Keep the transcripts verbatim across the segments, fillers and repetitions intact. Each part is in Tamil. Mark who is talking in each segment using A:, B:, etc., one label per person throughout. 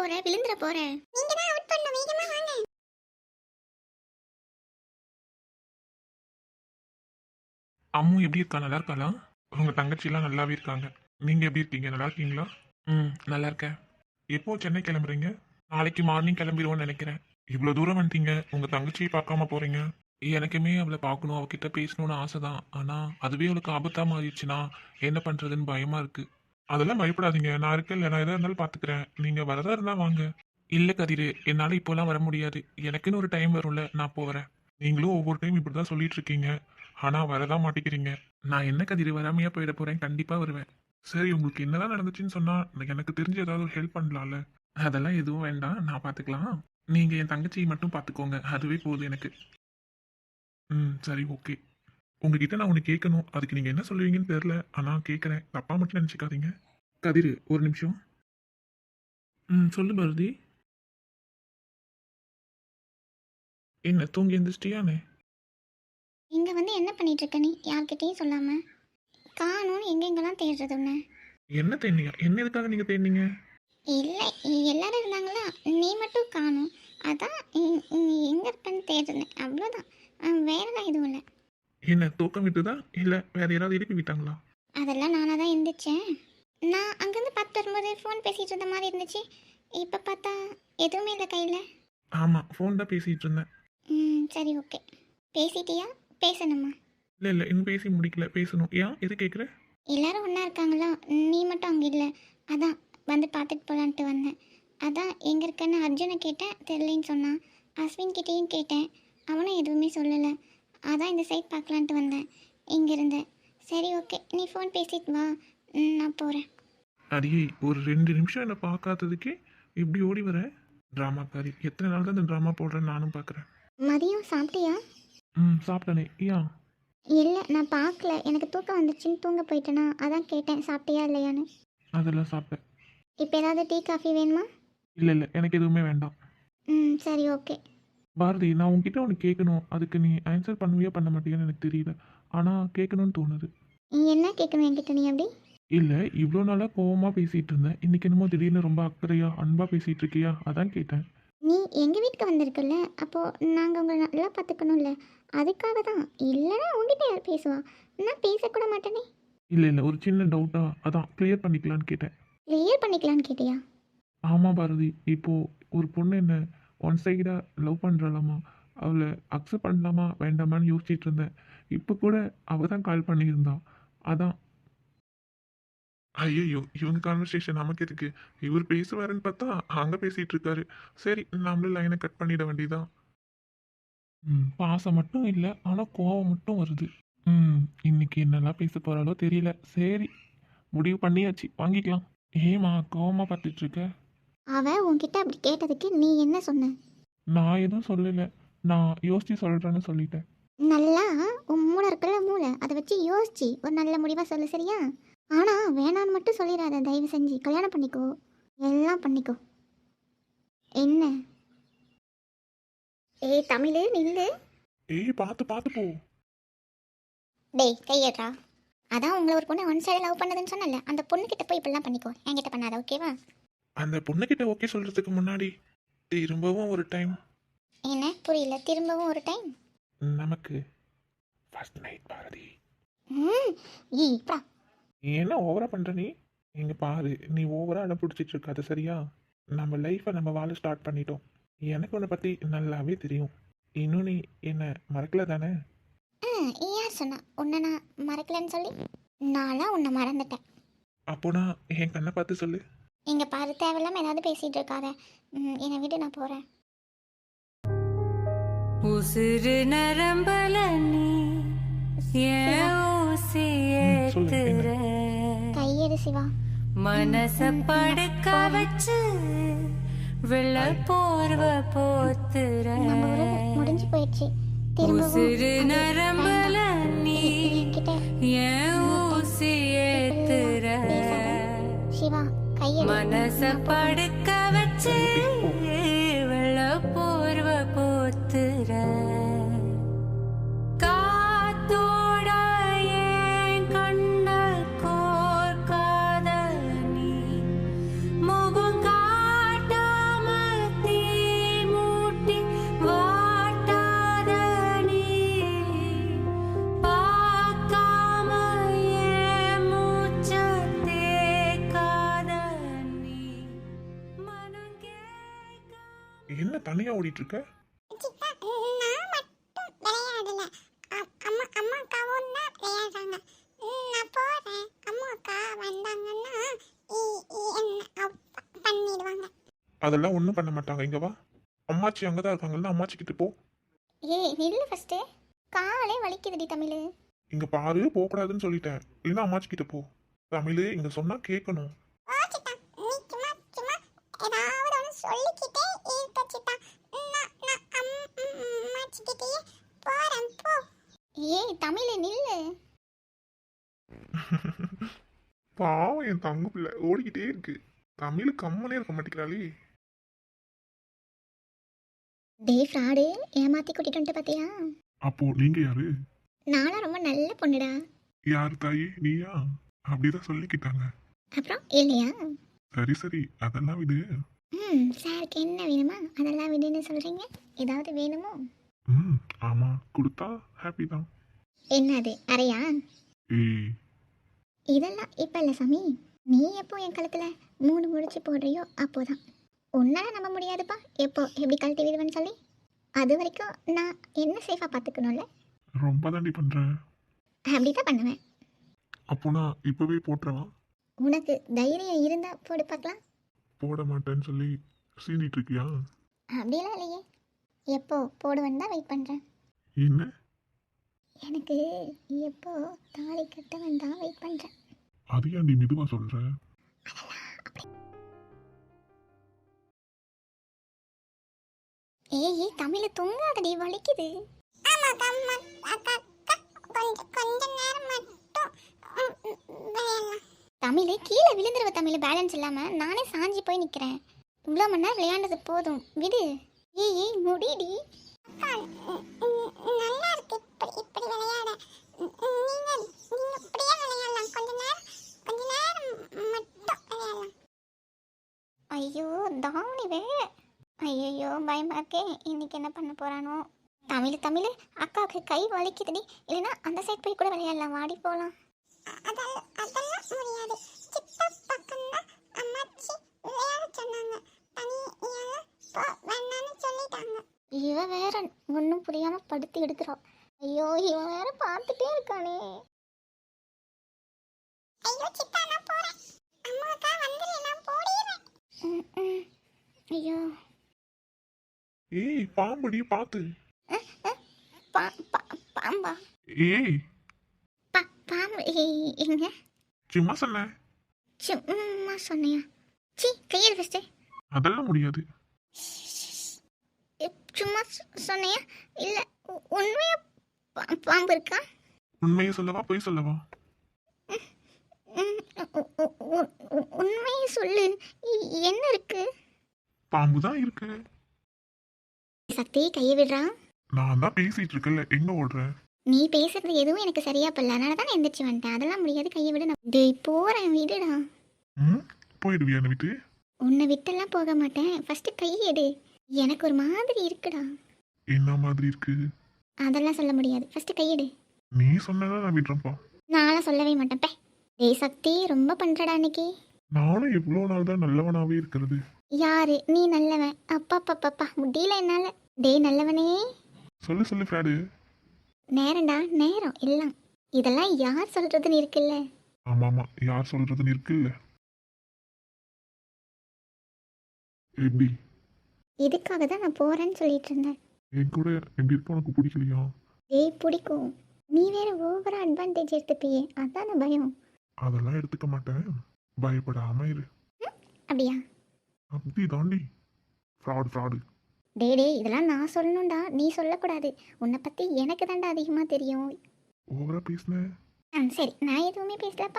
A: போற? விழுந்துற போற. நீங்க தான் அவுட் பண்ணணும். வேகமா வாங்க.
B: அம்மு எப்படி இருக்கா? நல்லா இருக்காளா? உங்க தங்கச்சிலாம் நல்லாவே இருக்காங்க. நீங்க எப்படி இருக்கீங்க? நல்லா இருக்கீங்களா? ம் நல்லா இருக்கேன். எப்போ சென்னை கிளம்புறீங்க? நாளைக்கு மார்னிங் கிளம்பிடுவோம்னு நினைக்கிறேன். இவ்வளோ தூரம் வந்துட்டீங்க, உங்க தங்கச்சியை பார்க்காம போறீங்க. எனக்குமே அவளை பார்க்கணும், அவகிட்ட பேசணும்னு ஆசை தான். ஆனா அதுவே அவளுக்கு ஆபத்தா மாறிடுச்சுன்னா என்ன பண்றதுன்னு பயமா இருக்கு. அதெல்லாம் பயப்படாதீங்க, நான் இருக்கேன்ல, நான் எதா இருந்தாலும் பார்த்துக்கிறேன். நீங்க வரதா இருந்தா வாங்க. இல்ல கதிரு, என்னால இப்போலாம் வர முடியாது. எனக்குன்னு ஒரு டைம் வரும்ல, நான் போறேன். நீங்களும் ஒவ்வொரு டைம் இப்படிதான் சொல்லிட்டு இருக்கீங்க, ஆனா வரதான் மாட்டேங்கிறீங்க. நான் என்ன கதிரு வராமையா போயிட போறேன்? கண்டிப்பா வருவேன். சரி, உங்களுக்கு என்னதான் நடந்துச்சுன்னு சொன்னா எனக்கு தெரிஞ்சு ஏதாவது ஒரு ஹெல்ப் பண்ணலாம்ல. அதெல்லாம் எதுவும் வேண்டாம், நான் பார்த்துக்கலாம். நீங்க என் தங்கச்சியை மட்டும் பார்த்துக்கோங்க, அதுவே போதும் எனக்கு. ம் சரி, ஓகே. உங்ககிட்ட நான் ஒன்று கேட்கணும், அதுக்கு நீங்க என்ன சொல்லுவீங்கன்னு தெரியல, ஆனா கேட்குறேன். தப்பா மட்டும் நினச்சிக்காதீங்க. கதிரு, ஒரு நிமிஷம். ம் சொல்லு பாரதி. என்ன தூங்கி எந்திரிச்சிட்டியானே?
A: இங்க வந்து என்ன பண்ணிட்டு இருக்க நீ? யார்கிட்டயும் சொல்லாம. காணோம்னு எங்கெங்கெல்லாம் தேடுறது உன்ன?
B: என்ன தேடினீங்க? என்ன எதுக்காக நீங்க தேடினீங்க?
A: இல்லை, எல்லாரும் இருந்தாங்களா, நீ மட்டும் காணோம். அதான் நீ எங்கே இருப்பேன்னு தேடுனேன், அவ்வளோதான். வேறெல்லாம் எதுவும் இல்லை.
B: என்ன தூக்கம் விட்டுதா இல்லை வேற யாராவது எழுப்பி விட்டாங்களா?
A: அதெல்லாம் நானாக தான் இருந்துச்சேன். நான் அங்கேருந்து பார்த்து வரும்போது ஃபோன் பேசிகிட்டு இருந்த மாதிரி இருந்துச்சு. இப்போ பார்த்தா எதுவுமே இல்லை கையில்.
B: ஆமாம், ஃபோன் தான் பேசிகிட்டு இருந்தேன்.
A: ம் சரி, ஓகே. பேசிட்டியா? பேசணுமா?
B: இல்லை இல்லை, இன்னும் பேசி முடிக்கல, பேசணும். ஏன் எது கேட்குற?
A: எல்லாரும் ஒன்றா இருக்காங்களா, நீ மட்டும் அங்கே இல்லை. அதான் வந்து பார்த்துட்டு போகலான்ட்டு வந்தேன். அதான் எங்கே இருக்கேன்னு அர்ஜுனை கேட்டேன், தெரியலன்னு சொன்னான். அஸ்வின் கிட்டேயும் கேட்டேன், அவனும் எதுவுமே சொல்லலை. அதான் இந்த சைட் பார்க்கலான்ட்டு வந்தேன் இங்கே இருந்தேன். சரி, ஓகே, நீ ஃபோன் பேசிட்டு வா, நான் போகிறேன்.
B: அடியே, ஒரு ரெண்டு நிமிஷம் என்னை பார்க்காததுக்கே இப்படி ஓடி வர? ட்ராமாக்காரி, எத்தனை நாள் தான் இந்த ட்ராமா போடுறேன்னு நானும் பார்க்குறேன்.
A: மதியம் சாப்பிட்டியா?
B: ம் சாப்பிட்டனே. ஏன்?
A: இல்லை, நான் பார்க்கல, எனக்கு தூக்கம் வந்துச்சுன்னு தூங்க போயிட்டேனா, அதான் கேட்டேன் சாப்பிட்டியா இல்லையான்னு.
B: அதெல்லாம் சாப்பிட்டேன்.
A: இப்போ ஏதாவது டீ காஃபி வேணுமா?
B: இல்லை இல்லை, எனக்கு எதுவுமே வேண்டாம்.
A: ம் சரி, ஓகே.
B: பாரதி, நான் உன்கிட்ட ஒன்று கேட்கணும், அதுக்கு நீ ஆன்சர் பண்ணுவியா பண்ண மாட்டேன்னு எனக்கு தெரியல, ஆனால் கேட்கணும்னு தோணுது.
A: நீ என்ன கேட்கணும் என்கிட்ட? நீ அப்படி
B: இல்லை, இவ்வளோ நாளாக கோவமாக பேசிகிட்டு இருந்தேன், இன்னைக்கு என்னமோ திடீர்னு ரொம்ப அக்கறையா அன்பாக பேசிகிட்டு இருக்கியா, அதான் கேட்டேன்.
A: நீ எங்கள் வீட்டுக்கு வந்திருக்குல்ல, அப்போது நாங்கள் உங்களை நல்லா பார்த்துக்கணும்ல, அதுக்காக தான். இல்லைன்னா உங்ககிட்ட யார் பேசுவா? நான் பேசக்கூட மாட்டேனே.
B: இல்லை இல்லை, ஒரு சின்ன டவுட்டாக அதான் கிளியர் பண்ணிக்கலான்னு கேட்டேன்.
A: கிளியர் பண்ணிக்கலான்னு கேட்டியா?
B: ஆமாம் பாரதி, இப்போது ஒரு பொண்ணு என்ன ஒன் சைடாக லவ் பண்ணுறாளாமா, அவளை அக்செப்ட் பண்ணலாமா வேண்டாமான்னு யோசிச்சுட்டு இருந்தேன். இப்போ கூட அவள் தான் கால் பண்ணியிருந்தான், அதான். ஐயோ, இவங்க கான்வர்சேஷன் நமக்கு இருக்கு. இவர் பேசுவாருன்னு பார்த்தா அங்கே பேசிகிட்டு இருக்காரு. சரி, நம்மளும் லைனை கட் பண்ணிட வேண்டியதான். ம் பாசம் மட்டும் இல்லை, ஆனால் கோவம் மட்டும் வருது. ம் இன்னைக்கு என்னெல்லாம் பேச போகிறாலோ தெரியல. சரி, முடிவு பண்ணியாச்சு, வாங்கிக்கலாம். ஏமா கோவமாக பார்த்துட்டு இருக்க?
A: அவன் உன்கிட்ட அப்படி கேட்டதுக்கு நீ என்ன சொன்ன?
B: நான் எதுவும் சொல்லலை, நான் யோசிச்சு சொல்கிறேன்னு சொல்லிட்டேன்.
A: நல்லா உன் மூளை இருக்கிற மூளை, அதை வச்சு யோசிச்சு ஒரு நல்ல முடிவாக சொல்லு, சரியா? ஆனால் வேணான்னு மட்டும் சொல்லிடாத, தயவு செஞ்சு. கல்யாணம் பண்ணிக்கோ, எல்லாம் பண்ணிக்கோ. என்ன? ஏய் தமிழ், நில்லு.
B: ஏய், பார்த்து பார்த்து போ.
A: டேய் கையேட்றா. அதான் உங்களை ஒரு பொண்ணு ஒன் சைடு லவ் பண்ணதுன்னு சொன்னல, அந்த பொண்ணுக்கிட்ட போய் இப்படிலாம் பண்ணிக்கோ, என்கிட்ட பண்ணாத, ஓகேவா?
B: அந்த பொண்ணுக்கிட்ட ஓகே சொல்கிறதுக்கு முன்னாடி திரும்பவும் ஒரு டைம்.
A: என்ன புரியல? திரும்பவும் ஒரு டைம்?
B: நமக்கு ஃபர்ஸ்ட் நைட் பாரதி.
A: ம் ஈப்பா.
B: நீ என்ன ஓவரா பண்ற? நீ இங்க பாரு, நீ ஓவரா அடம் பிடிச்சிட்டு இருக்காது, சரியா? நம்ம லைஃப்பை நம்ம வாழ ஸ்டார்ட் பண்ணிட்டோம். எனக்கு உன்னை பற்றி நல்லாவே தெரியும். இன்னும் நீ என்ன மறக்கல தானே?
A: ம் யார் சொன்னா உன்னை நான் மறக்கலன்னு சொல்லி? நான்லாம் உன்னை மறந்துட்டேன்.
B: அப்போனா என் கண்ணை பார்த்து சொல்லு.
A: இங்கே பாரு, தேவையில்லாமல் ஏதாவது பேசிகிட்டு இருக்காத. ம் என்னை விட்டு, நான் போகிறேன்.
C: உசுறு நரம்பல நீ ஏன் ஊசி ஏத்துற,
A: கையெடு சிவா.
C: மனச படுக்க வச்சு வெள்ள போர்வ போத்துற,
A: நம்ம உறவு முடிஞ்சு போயிடுச்சு.
C: உசுறு நரம்பல நீ ஏன் ஊசி ஏத்துற,
A: சிவா கையெடு.
C: மனச படுக்க வச்சு வெள்ள போர்வ போத்துற, காத்தோட ஏன் கண்ண கோர்க்காத நீ, முகம் காட்டாத
B: தனியா ஓடிட்டு இருக்க?
A: சித்தா, நான் மட்டும் விளையாடல. அ- அம்மா அம்மா அக்காவும் தான் விளையாடுறாங்க. ம், நான் போறேன். அம்மா அக்கா வந்தாங்கன்னா இ- இ- என்ன அவ் ப- பண்ணிடுவாங்க.
B: அதெல்லாம் ஒன்றும் பண்ண மாட்டாங்க. இங்க வா. அம்மாச்சி அங்கதான் இருக்காங்கல்ல, அம்மாச்சி கிட்ட போ.
A: ஏய் நில்லு ஃபர்ஸ்ட். காலே வலிக்குதுடி தமிழ்.
B: இங்க பாரு, போகக்கூடாதுன்னு சொல்லிட்டேன். இல்லைன்னா அம்மாச்சி கிட்ட போ. தமிழ் இங்க சொன்னா கேட்கணும்.
A: ஓ சித்தா, நீ சும்மா சும்மா ஏதாவது ஒன்று சொல்லிக்கிட்டே இருக்க சித்தா. நான் நான் அம்- ம், அம்மாச்சிக்கிட்டயே போறேன் போ. ஏய் தமிழ் நில்லு.
B: பாவம் என் தங்க பிள்ளை ஓடிக்கிட்டே இருக்கு. தமிழ் கம்மனே இருக்க மாட்டேங்கிறாளே.
A: டே ஃப்ராடு, ஏமாத்தி கூட்டிட்டு வந்துட்டு பாத்தியா?
B: அப்போ நீங்க யாரு?
A: நானும் ரொம்ப நல்ல பொண்ணுடா.
B: யாரு தாயி, நீயா? அப்படிதான் சொல்லிக்கிட்டாங்க.
A: அப்புறம் இல்லையா?
B: சரி சரி, அதெல்லாம் விடு.
A: ம் சாருக்கு என்ன வேணுமா அதெல்லாம் விடுன்னு சொல்கிறீங்க. ஏதாவது வேணுமோ?
B: ம் ஆமா, கொடுத்தா ஹாப்பி தான்.
A: என்னது அறையா?
B: ஏய்,
A: இதெல்லாம் இப்போ இல்லை சாமி. நீ எப்போ என் கழுத்தில் மூணு முடிச்சு போடுறியோ அப்போதான். உன்னால நம்ப முடியாதுப்பா எப்போ எப்படி கழட்டி விடுவேன்னு சொல்லி. அது வரைக்கும் நான் என்ன சேஃபாக பார்த்துக்கணும்ல.
B: ரொம்ப தாண்டி பண்றேன்.
A: அப்படி தான் பண்ணுவேன்.
B: அப்போ நான் இப்பவே போட்டுறவா?
A: உனக்கு தைரியம் இருந்தால் போடு பார்க்கலாம்.
B: போட மாட்டேன்னு சொல்லி சீண்டிட்டு இருக்கியா?
A: அப்படிலாம் இல்லையே. எப்போ போடுவேன்னு தான் வெயிட் பண்ணுறேன்.
B: என்ன?
A: எனக்கு எப்போ தாலி கட்டவன் தான் வெயிட் பண்ணுறேன்.
B: அது ஏன்டி மெதுவா சொல்ற?
A: ஏய் ஏய் தமிழ் தொங்காதடி வலிக்குது. ஆமா அம்மா அக்கா கொஞ்சம் கொஞ்ச நேரம் மட்டும் விளையாடலாம். தமிழ் கீழே விழுந்துருவ தமிழ். பேலன்ஸ் இல்லாம நானே சாஞ்சி போய் நிக்கிறேன். இவ்வளோ மணி நேரம் விளையாண்டது போதும் விடு. ஏய் ஏய் முடிடி. நல்லா இருக்கு இப்படி இப்படி விளையாட. நீங்க நீங்க இப்படியே விளையாடலாம். கொஞ்ச நேரம் கொஞ்ச நேரம் மட்டும் விளையாடலாம். ஐயோ தாவணி வே. ஐயோ பயமா இருக்கே. இன்னைக்கு என்ன பண்ண போறானோ. தமிழ் தமிழ் அக்காவுக்கு கை வலிக்குதுடி. இல்லைன்னா அந்த சைட் போய் கூட விளையாடலாம். வாடி போகலாம். அதெல்லாம் அதெல்லாம் முடியாது. சித்தா பக்கம் தான் அம்மாச்சி விளையாட சொன்னாங்க. தனியாக போ வேணான்னு சொல்லிட்டாங்க. இவ வேற ஒன்றும் புரியாம படுத்து எடுக்கிறோம். ஐயோ இவன் வேற பார்த்துட்டே இருக்கானே. ஐயோ சித்தா நான் போறேன். அம்மாக்கா வந்துரு நான் போடிறேன். ஐயோ
B: ஏய் பாம்புடி, பாத்து.
A: பா பா- பாம்பா?
B: ஏய்
A: பா பாம்பு ஏய், எங்க?
B: சும்மா சொன்னேன்.
A: சும்மா சொன்னியா? சி கையில் ஃபஸ்ட்டு.
B: அதெல்லாம் முடியாது.
A: சும்மா சொ- சொன்னியா இல்லை உண்மையா பா- பாம்பு இருக்கா?
B: உண்மையை சொல்லவா பொய் சொல்லவா?
A: ம், உ- உ- உ- உ- உண்மையை சொல்லு. இ- என்ன இருக்கு?
B: பாம்பு தான் இருக்கு.
A: சக்தி கையை விடுறா.
B: நான் தான் பேசிட்டு இருக்கேன்ல, எங்க ஓடுற?
A: நீ பேசுறது எதுவும் எனக்கு சரியா படல. அதனால தான் நான் எந்திரிச்சு வந்துட்டேன். அதெல்லாம் முடியாது. கையை விடு. நான் டேய் போறேன் விடுடா.
B: ம் போயிடுவியா என்னை விட்டு?
A: உன்னை விட்டெல்லாம் போக மாட்டேன். ஃபர்ஸ்ட் கையை எடு. எனக்கு ஒரு மாதிரி இருக்குடா.
B: என்ன மாதிரி இருக்கு?
A: அதெல்லாம் சொல்ல முடியாது. ஃபர்ஸ்ட் கையெடு.
B: நீ சொன்னதான் நான் விடுறேன்ப்பா.
A: நான்லாம் சொல்லவே மாட்டேன். பே டேய் சக்தி ரொம்ப பண்றடா இன்னைக்கு.
B: நானும் எவ்வளோ நாள் தான் நல்லவனாவே இருக்கிறது.
A: யாரு நீ நல்லவன்? அப்பா பாப்பா முடியல என்னால. டேய் நல்லவனே.
B: சொல்லு சொல்லு ஃப்ராடு.
A: நேரம்டா நேரம் எல்லாம். இதெல்லாம் யார் சொல்றதுன்னு இருக்குல்ல.
B: ஆமா ஆமா, யார் சொல்றதுன்னு இருக்குல்ல. எப்படி?
A: இதுக்காக தான் நான் போறேன்னு சொல்லிட்டு இருந்தேன்.
B: என் கூட எப்படி இருக்க உனக்கு பிடிக்கலையா?
A: டேய் பிடிக்கும். நீ வேற ஓவரா அட்வான்டேஜ் எடுத்துப்பியே. அதான் பயம்.
B: அதெல்லாம் எடுத்துக்க மாட்டேன், பயப்படாம இரு.
A: அப்படியா?
B: அப்படி தாண்டி. Fraud fraud.
A: டே டே இதெல்லாம் நான் சொல்லணும்டா. நீ சொல்லக்கூடாது. உன்னை பத்தி எனக்கு தாண்டா அதிகமா தெரியும்.
B: ஓவரா பேசினேன்.
A: ஆ சரி நான் எதுவுமே பேசலப்பா.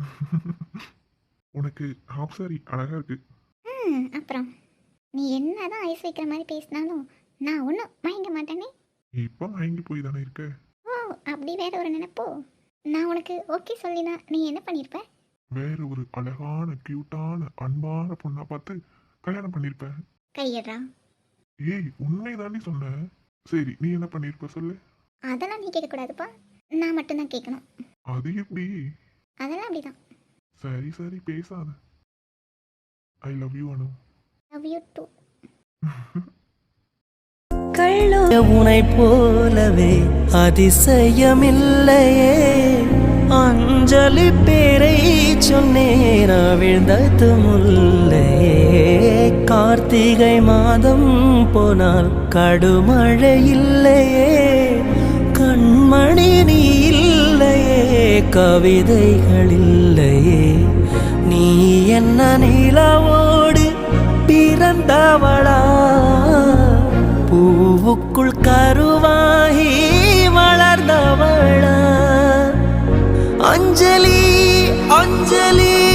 B: உனக்கு ஹாஃப் சாரி அழகா இருக்கு.
A: ம் அப்புறம் நீ என்னதான் ஐஸ் வைக்கிற மாதிரி பேசினாலும் நான் ஒன்றும் மயங்க மாட்டேனே.
B: இப்போ மயங்கி போய் தானே இருக்க.
A: ஓ அப்படி வேற ஒரு நினைப்போ. நான் உனக்கு ஓகே சொல்லினா நீ என்ன பண்ணியிருப்ப?
B: வேற ஒரு அழகான கியூட்டான அன்பான பொண்ணா பார்த்து கல்யாணம் பண்ணிருப்ப.
A: கையடா.
B: ஏய் உண்மை தாண்டி சொன்ன. சரி நீ என்ன பண்ணிருப்ப சொல்லு.
A: அதெல்லாம் நீ கேட்கக்கூடாதுப்பா. நான் மட்டும்தான் கேட்கணும்.
B: அது எப்படி?
A: அதெல்லாம் அப்படிதான்.
B: சரி சரி பேசாத. I love you Anu.
A: Love you too.
C: கள்ளோ
D: உனை போலவே அதிசயமில்லையே அஞ்சலி பேரை சொன்னேன் விழுந்தது முல்லையே கார்த்திகை மாதம் போனால் கடுமழை இல்லையே கண்மணி நீ இல்லையே கவிதைகள் இல்லையே நீ என்ன நிலவோடு பிறந்தவளா பூவுக்குள் கருவாகி வளர்ந்தவளா அஞ்சலி அஞ்சலி